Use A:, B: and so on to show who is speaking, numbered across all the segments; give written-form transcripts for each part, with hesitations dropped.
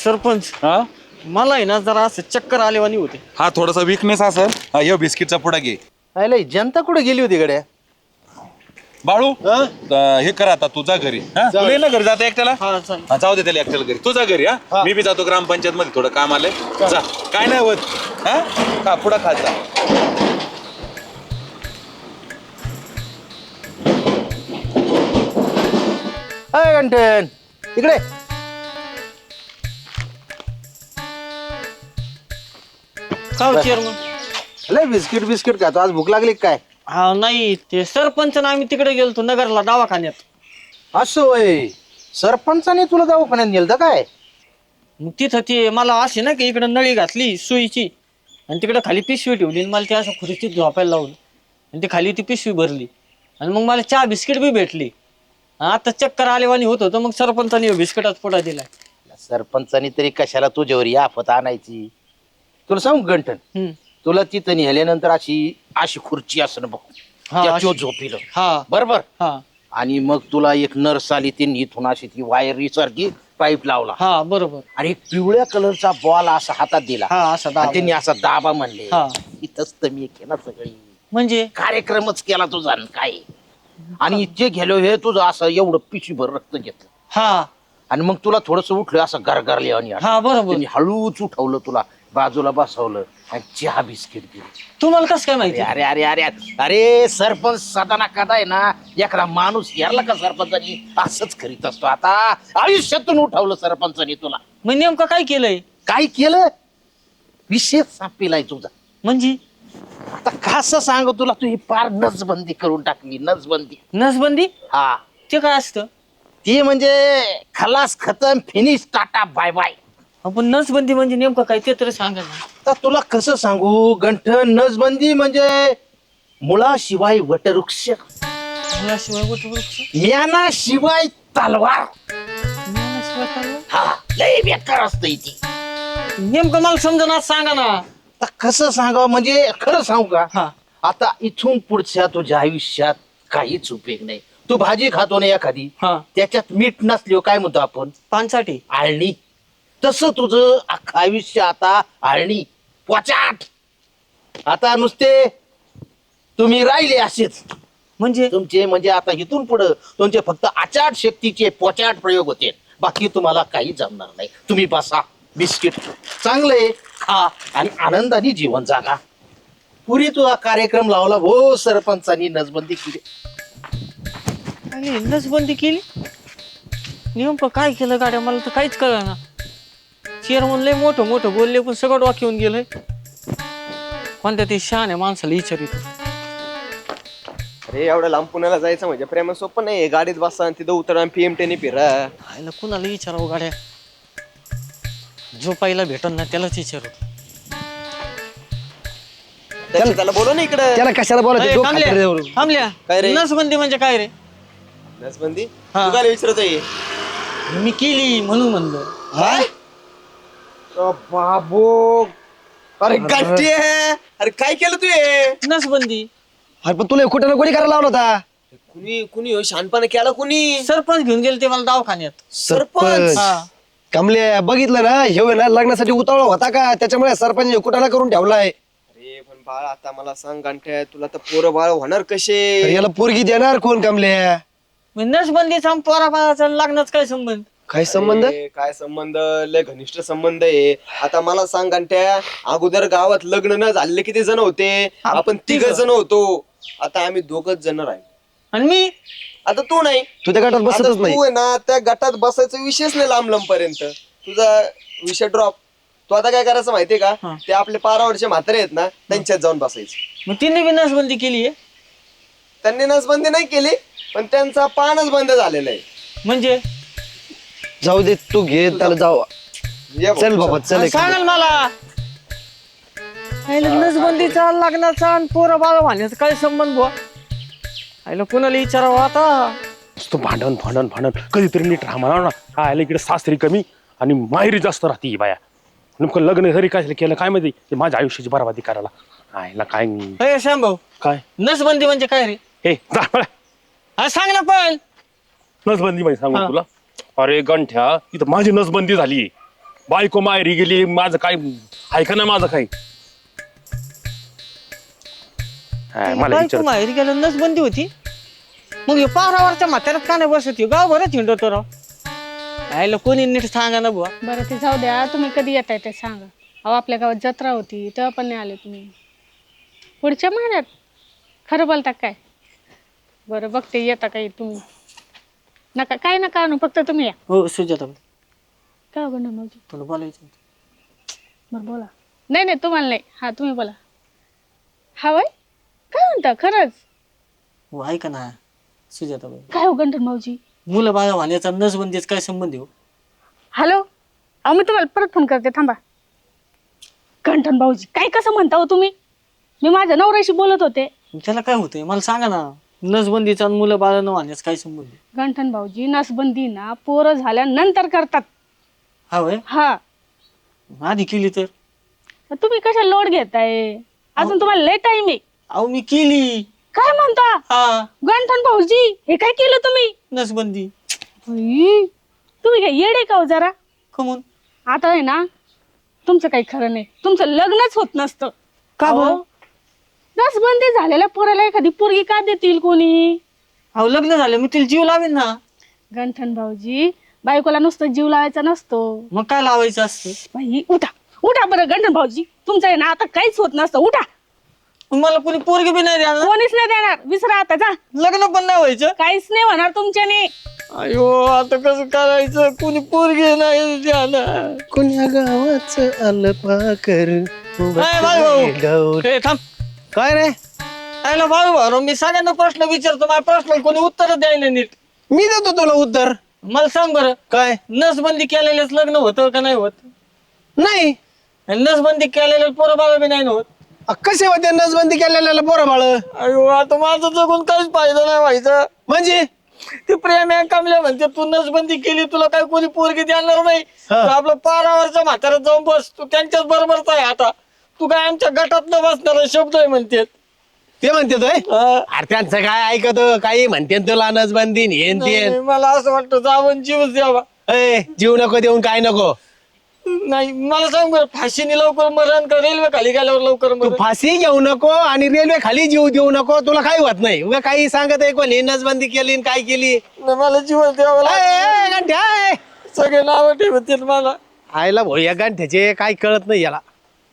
A: सरपंच
B: हा
A: मला आहे ना जरा असं चक्कर आलेवानी होते.
B: हा थोडासा विकनेस असेल. हा ये बिस्किटचा पुडा घे.
C: अरे जनता कुठे गेली होती गड्या?
B: बाळू हे कर आता तुझा घरी. हा तुला ये ना घरी जाता एकट्याला.
A: हा चालेल.
B: हा जाऊ दे त्याला एकट्याला घरी. तुझा घरी. हा मी बी जातो ग्रामपंचायत मध्ये थोडं काम आलंय. जा काय नाही होत. हा का पुडा खात जा.
C: अय गंठन इकडे.
A: का चेअरमन?
C: लय बिस्किट बिस्किट खातो, आज भूक लागली काय?
A: हा नाही ते सरपंच ना आम्ही तिकडे गेलतो नगरला दवाखान्यात.
C: असं होय, सरपंचाने तुला दवाखान्यात नेलं काय?
A: मग तिथं ते मला असे ना की इकडे नळी घातली सुईची आणि तिकडे खाली पिशवी ठेवली आणि मला ते असं खुर्चीत झोपायला लावलं आणि ती खाली ती पिशवी भरली आणि मग मला चहा बिस्किट बी भेटली. आता चक्कर आलेवानी होत होतं मग सरपंचाने बिस्किटात पुडा दिलाय.
C: सरपंचाने तरी कशाला तुझ्यावर ही आफत आणायची? तुला सांगू गंठन, तुला तिथं नेल्यानंतर अशी अशी खुर्ची असं बघ,
A: हा,
C: त्यात तो
A: अशी.
C: झोपिलं
A: हा
C: बरोबर.
A: हा
C: आणि मग तुला एक नर्स आली, ती इथून अशी ती वायरी सारखी पाईप लावला
A: हा बरोबर.
C: आणि एक पिवळ्या कलरचा बॉल असा हातात दिला.
A: हा असा
C: आणि
A: दाबा.
C: त्यांनी असा दाबा म्हणले.
A: हा.
C: इथंच तर मी केला सगळी
A: म्हणजे
C: कार्यक्रमच केला तुझा आणि काय. आणि जे गेलो हे तुझं असं एवढं पिशीभर रक्त घेतलं
A: हा
C: आणि मग तुला थोडस उठलं असं गरगरले आणि
A: हा बरोबर.
C: त्यांनी हळूच उठवलं, तुला बाजूला बसवलं आणि चहा बिस्किट दिली.
A: तुम्हाला कसं काय माहिती?
C: अरे अरे अरे अरे अरे सरपंच सदाना कदा आहे ना, एखादा माणूस यारला का सरपंचानी असंच करीत असतो. आता आयुष्यातून उठवलं सरपंचानी तुला.
A: मग नेमकं काय केलंय?
C: काय केलं? विशेष सापिलाय तुझा.
A: म्हणजे
C: आता कसं सांग तुला, तू ही पार नसबंदी करून टाकली. नसबंदी.
A: नसबंदी
C: हा,
A: ते काय असतं?
C: ती म्हणजे खलास खतम फिनिश टाटा बाय बाय.
A: आपण नसबंदी म्हणजे नेमकं काय ते तरी सांगा ना.
C: तर तुला कसं सांगू गंठन, नसबंदी म्हणजे मुळाशिवाय वटवृक्ष,
A: मुलाशिवाय वटवृक्ष,
C: ज्ञानाशिवाय तलवार.
A: ज्ञानाशिवाय तलवार?
C: हा, लय बेकार असतं ती.
A: नेमकं मला समजा सांगा ना.
C: आता कसं सांगावं म्हणजे खरं सांगू का,
A: हा
C: आता इथून पुढच्या तुझ्या आयुष्यात काहीच उपयोग नाही. तू भाजी खातो ना एखादी,
A: हा
C: त्याच्यात मीठ नसल्यावर काय म्हणतो आपण?
A: पानसाठी.
C: आळणी. तसं तुझं अख्खं आयुष्य आता आळणी, पोचाट. आता नुसते तुम्ही राहिले असेच
A: म्हणजे
C: तुमचे, म्हणजे आता इथून पुढं तुमचे फक्त आचाट शक्तीचे पोचाट प्रयोग होते. बाकी तुम्हाला काही जमणार नाही. तुम्ही बसा, बिस्किट चांगले खा आणि आनंदाने जीवन जागा. पुरी तुझा कार्यक्रम लावला हो सरपंचानी, नसबंदी केली.
A: आणि नसबंदी केली? नेमकं काय केलं गाड्या? मला तर काहीच कळलं ना. चेअरमन लय मोठं मोठं बोलले पण सगळं वाक्य येऊन गेलंय. कोणत्या ते शहाण्या माणसाला विचारित.
D: अरे एवढं लांब पुण्याला जायचं म्हणजे प्रेम सोपं नाही. गाडीत बसा आणि तिथं उतरा आणि पीएमटीने फिरा.
A: आयला कुणाला विचारावं गाड्या? जो पहिला भेटन ना त्यालाच विचारू.
D: त्याला बोलव ना इकडं.
E: त्याला कशाला बोलायचं? डोकं खाली जाऊ.
A: थांबल्या.
D: काय रे?
A: नसबंदी म्हणजे काय रे?
D: नसबंदी
A: हा.
D: तू काय विचारतोय?
A: मी केली म्हणून म्हणलं.
D: काय बाबो, अरे गट्टी आहे. अरे काय केलं तू हे?
A: नसबंदी.
E: अरे पण तुला कुठं ना कोणी करायला लावला होता?
D: कुणी शहाणपणा केला कुणी?
A: सरपंच घेऊन गेले ते मला दवाखान्यात.
D: सरपंच.
A: हा
E: कमले बघितलं ना, हे ना लग्नासाठी उतावळा होता का, त्याच्यामुळे सरपंच कुठाला करून ठेवलाय.
D: अरे पण बाळ आता मला सांग गंठ्या, तुला तर पोरं बाळ होणार कसे?
E: अरे याला पोरगी देणार कोण कमले?
A: मग नसबंदीचा पोराबाळाचा लग्नाचा काय संबंध?
E: काय संबंध?
D: अरे, काय संबंध? लय घनिष्ठ संबंध आहे. आता मला सांग गंठ्या, अगोदर गावात लग्न न झाले किती जण होते? आपण 3 जण होतो. आता आम्ही 2च जण राहिले.
A: आणि मी
D: आता तू नाही.
E: तू त्या गटात
D: आता
E: बसतच नाही.
D: तू आहे ना, त्या गटात बसायचा विषयच नाही. लांब पर्यंत तुझा विषय ड्रॉप. तू आता काय करायचं माहितीये का?
A: हा.
D: ते आपले 12 म्हातारे आहेत ना, त्यांच्यात जाऊन बसायचं.
A: मग तिने बी नसबंदी केली आहे.
D: त्यांनी नसबंदी नाही केली, पण त्यांचा पानच बंद झालेला आहे.
A: म्हणजे
E: जाऊ दे, तू घे त्याला. जाऊ
D: ये भाऊ.
E: चल बाबा चल.
A: सांगाल मला नसबंदीचा लग्नाचा आणि पोरं बाळा वाहण्याचा काय संबंध बुवा? आईला कुणाला विचारावं आता?
F: तो भांडण भांडण भांडण कधीतरी नीट राहा म्हणा ना. काय आलं इकडे सासरी कमी आणि माहेरी जास्त राहते ही बाया. नेमकं लग्न घरी काय केलं काय माहिती, ते माझ्या आयुष्याची बरबादी करायला. आयला काय
A: हे श्यामभाऊ,
F: काय
A: नसबंदी म्हणजे काय रे?
F: हे जा बरं.
A: हा सांग ना पण.
F: नसबंदी माहिती सांगू
A: हा.
F: तुला. अरे गंठ्या, इथं माझी नसबंदी झाली. बायको माहेरी गेली, माझं काय ऐका ना माझं काही. हा, मला
A: बायको
F: विचार
A: माहेरी गेलं नसबंदी होती. मग हे पारावरच्या म्हाताऱ्यात का नाही बसत हे? गाव बरंच हिंडतो राव. आयला कोणी नीट सांगा ना बुवा.
G: बरं ते जाऊ द्या, तुम्ही कधी येताय ते सांगा. अहो आपल्या गावात जत्रा होती तेव्हा पण नाही आले तुम्ही. पुढच्या महिन्यात? खरं बोलता काय? बरं बघते येता काही तुम्ही. नका काय नका आणू, फक्त तुम्ही या.
A: हो सुजाता
G: काय बघणार माझी?
A: तुला बोलायचं होतं.
G: बरं बोला. नाही नाही तुम्हाला नाही, हा तुम्ही बोला. हा वय काय म्हणता खरंच?
A: हो ऐका ना सुजाता
G: काय हो गंठन भाऊजी?
A: मुलं बाळा वाहण्याचा नसबंदीच काय संबंध हो?
G: हॅलो, अहो मी तुम्हाला परत फोन करते थांबा. गंठन भाऊजी काय कसं म्हणता हो तुम्ही? मी माझ्या नवऱ्याशी बोलत होते.
A: त्याला काय होतंय मला सांगा ना. नसबंदीचा आणि मुलं बाळा न वाहण्याचा काय संबंध?
G: गंठन भाऊजी नसबंदी ना पोरं झाल्यानंतर करतात.
A: हा वय
G: हा
A: आधी केली तर?
G: तुम्ही कशा लोड घेताय? अजून तुम्हाला लय टाइम आहे.
A: अहो मी केली.
G: काय म्हणता
A: हा
G: गंठन भाऊजी? हे काय केलं तुम्ही?
A: नसबंदी.
G: बाई, तुम्ही काय येडे का हो जरा?
A: कमून?
G: आता आहे ना तुमचं काही खरं नाही. तुमचं लग्नच होत नसतं.
A: का बरं?
G: अहो, नसबंदी झालेल्या पोराला एखादी पोरगी का देतील कोणी?
A: अहो लग्न झालं मी तिला जीव लावेन ना.
G: गंठन भाऊजी बायकोला नुसतं जीव लावायचा नसतो.
A: मग काय लावायचं असतं?
G: बाई उठा उठा बरं गंठन भाऊजी, तुमचं आहे ना आता काहीच होत नसतं. उठा.
A: मला कोणी पोरगी बी नाही द्या.
G: कोणीच नाही देणार. विसरा आता जा.
A: लग्न पण नाही व्हायचं.
G: काहीच नाही होणार तुमच्याने.
A: अयो आता कसं करायचं? कोणी पोरगी नाही द्याला.
E: कोण्या गावाचं आलं पाकर
A: ए, थांब.
E: काय रे?
A: आयला भाऊ मी सगळ्यांना प्रश्न विचारतो. माझ्या प्रश्न कोणी उत्तर द्यायला नीट.
E: मी देतो तुला उत्तर.
A: मला सांग बरं,
E: काय?
A: नसबंदी केलेलेच लग्न होतं का नाही होत?
E: नाही.
A: आणि नसबंदी केलेले पोरं बाबा बी नाही ना होत.
E: कसे होते नसबंदी केलेल्याला पोरं बाळ?
A: अयो आता माझं जगून काहीच फायदा नाही व्हायचा.
E: म्हणजे
A: ते प्रेम आहे कमल्या म्हणते तू नसबंदी केली तुला काही कोणी पोरगी देणार नाही. तू आपलं पारावरच्या म्हाताऱ्यात जाऊन बस. तू त्यांच्याच बरोबरच आहे आता. तू काय आमच्या गटात न बसणार शब्द आहे म्हणते.
E: ते म्हणते तोय अरे त्यांचं काय ऐकत काही म्हणते तुला नसबंदी हेन ते.
A: मला असं वाटतं जावं जीवच द्यावा.
E: जीव नको देऊन काय नको.
A: नाही मला सांग बरं, फाशीने लवकर मरण का रेल्वे खाली गेल्यावर लवकर
E: तू
A: मरण?
E: फाशी घेऊ नको आणि रेल्वे खाली जीव देऊ नको. तुला काही होत नाही. उगा काही सांगत आहे कोणी नसबंदी केली आणि काय केली.
A: नाही, मला जीवच द्यावं लागेल. सगळे नाव ठेवतील मला.
E: आयला भाऊ या गांठ्याचे काय कळत नाही याला.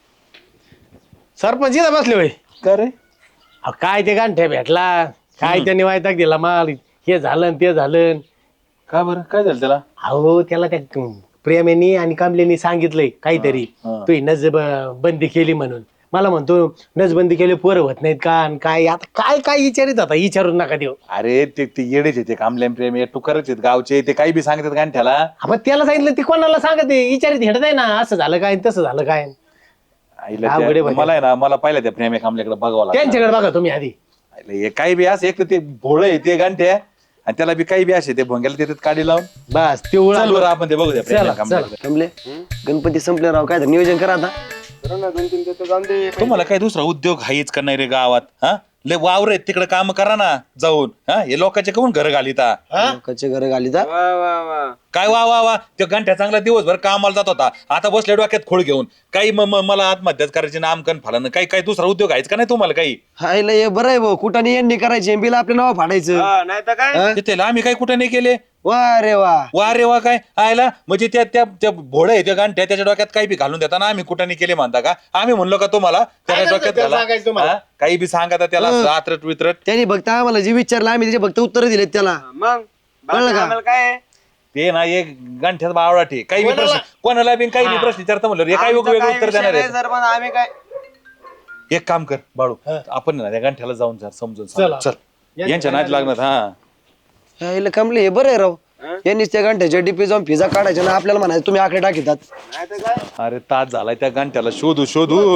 E: सरपंच इथं बसले होय.
B: करे
E: काय ते गांठ्या भेटला काय त्याने वायताक दिला माल. हे झालं आणि ते झालं.
B: का बरं काय झालं त्याला?
E: अहो त्याला त्या प्रेमेनी आणि कामलेनी सांगितलंय काहीतरी तू बंदी केली म्हणून. मला म्हणतो नसबंदी केली पोरं होत नाहीत का आणि काय. आता काय काय विचारित आता विचारून नका देऊ.
B: अरे ते येडेच आहेत, ते कामल्यान प्रेम आहे टुकरच आहेत गावचे. ते काही बी सांगतात गांठ्याला.
E: आपण त्याला सांगितलं ती कोणाला सांगत विचारित हेडत आहे ना असं झालं काय तसं झालं काय.
B: आईला
E: अवघड आहे
B: मला आहे ना, मला पाहिलं त्या प्रेम आहे कामल्याकडे बघावं लागलं.
E: त्यांच्याकडे बघा तुम्ही आधी.
B: आईला हे काही बी असं एक तर ते भोळ आहे ते गांठ्या आणि त्याला बी काही बी असे ते भोंग्याला देतात काढी लावून.
E: बस ते उळा.
B: चल बरं आपण ते बघू द्या प्रेम आहे कामल्याकडे.
E: कमले गणपती संपले राव काय नियोजन करा आता.
B: तुम्हाला काय दुसरा उद्योग हायच का नाही रे गावात? हा लय वावर आहेत तिकडे काम करा ना जाऊन. हा हे लोकांचे कमून घर घालिता.
E: कच्चे घर घाली जा.
B: काय वा वा वा त्या घंट्या चांगला दिवसभर कामाला जात होता. आता बसल्या डोक्यात खोळ घेऊन काही मला आत्महत्याच करायची नामकन फालन. काही काही दुसरा उद्योग आहेच का नाही तुम्हाला काही?
E: हायला हे बरं आहे भाऊ कुठाने यांनी करायचे बिल आपल्या नाव फाडायचं.
B: तिथे आम्ही काही कुठं नाही केले.
E: वा रे वा.
B: वा रे वा काय आयला म्हणजे त्या त्या त्या भोळ आहे त्या गांठ्या त्याच्या डोक्यात काही बी घालून देताना आम्ही कुठं नाही केले म्हणता का? आम्ही म्हणलो का तुम्हाला त्याच्या डोक्यात घाला? हा? काही बी सांगा त्याला आत्रट वित्रट.
E: त्यांनी फक्त आम्हाला जे विचारलं आम्ही त्याचे फक्त उत्तर दिलेत त्याला. कळलं का?
B: ते ना एक गांठ्यात बावळा ठे काही बी प्रश्न कोणाला बी काही बी प्रश्न विचारता म्हणलं हे काही वेगवेगळे उत्तर देणार आहे. एक काम कर बाळू आपण ना त्या गांठ्याला जाऊन समजून चल यांच्या नाच लागणार. हा
E: हायला कमले हे बरं आहे राव. यांनीच त्या घंट्याच्या डीपी जाऊन फिजा काढायच्या ना आपल्याला म्हणायचं तुम्ही आकडे टाकीतात.
B: अरे तास झालाय त्या गांठ्याला शोधू शोधू.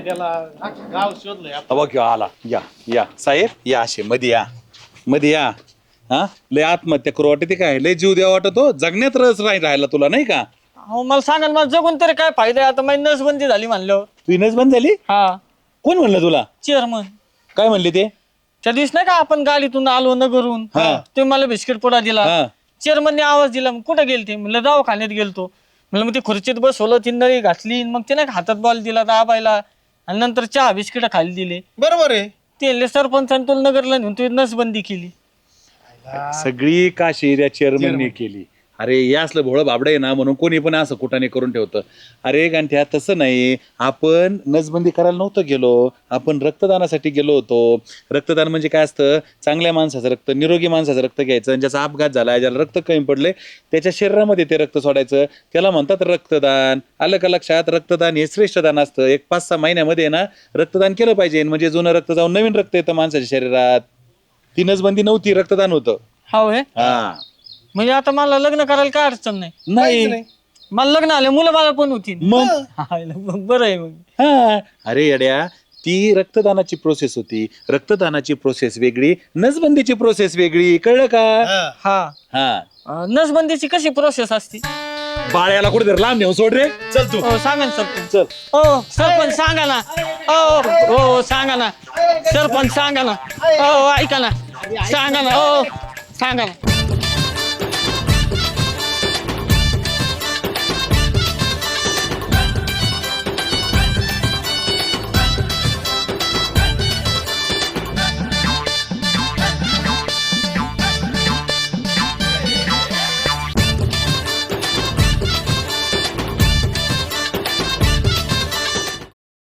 B: बघ आला या या साहेब या असे मध्ये या मध्ये या. हा लय आत्महत्या करू वाटते काय लय जीव द्या वाटतो जगण्यात रस राहिला तुला नाही का?
A: अहो मला सांगा ना, मला जगून तरी काय फायदा आहे? आता माझी नसबंदी झाली म्हणल्यावर.
B: तू नस बंद झाली?
A: हा
B: कोण म्हणलं तुला?
A: चेअरमन.
B: काय म्हणले ते?
A: त्या दिवस नाही का आपण गाडीतून आलो नगरून
B: हा.
A: तुम्ही मला बिस्किट पुडा दिला.
B: हा.
A: चेअरमनने आवाज दिला. मग कुठे गेलते? म्हणलं दवाखान्यात गेलतो. म्हणलं मग ती खुर्चीत बसवलं, ती नळी घातली, मग तिने हातात बॉल दिला दाबायला आणि नंतर चहा बिस्किट खाली दिले.
E: बरोबर आहे.
A: ते सरपंचाने तुला नगरला नेऊन तुझी नसबंदी केली.
B: सगळी काशी त्या चेअरमनने केली. अरे या असलं भोळं बाबडं आहे ना म्हणून कोणी पण असं कुठाने करून ठेवतं. अरे गांठ्या तसं नाही, आपण नसबंदी करायला नव्हतं गेलो, आपण रक्तदानासाठी गेलो होतो. रक्तदान म्हणजे काय असतं, चांगल्या माणसाचं रक्त, निरोगी माणसाचं रक्त घ्यायचं आणि ज्याचा अपघात झाला, ज्याला रक्त कमी पडले त्याच्या शरीरामध्ये ते रक्त सोडायचं, त्याला म्हणतात रक्तदान. आलं का लक्षात? रक्तदान हे श्रेष्ठ दान असतं. 1-5-6 महिन्यामध्ये ना रक्तदान केलं पाहिजे, म्हणजे जुनं रक्त जाऊन नवीन रक्त येतं माणसाच्या शरीरात. ती नसबंदी नव्हती, रक्तदान होतं.
A: हो हे
B: हा
A: म्हणजे आता मला लग्न करायला काय अडचण नाही.
B: नाही
A: मला लग्न आले, मुलं मला पण होती.
B: मग
A: बरं आहे मग.
B: हा अरे येड्या, ती रक्तदानाची प्रोसेस होती. रक्तदानाची प्रोसेस वेगळी, नसबंदीची प्रोसेस वेगळी. कळलं का?
A: हा
B: हा
A: नसबंदीची कशी प्रोसेस असते?
B: बाळ्याला कुठे लांब नेऊन सोड रे.
E: चल तू.
A: हो सांगा ना सरपंच.
B: चल.
A: हो सरपंच सांगा ना. हो सांगा ना सरपंच, सांगा ना. हो ऐका ना, सांगा ना. हो सांगा ना.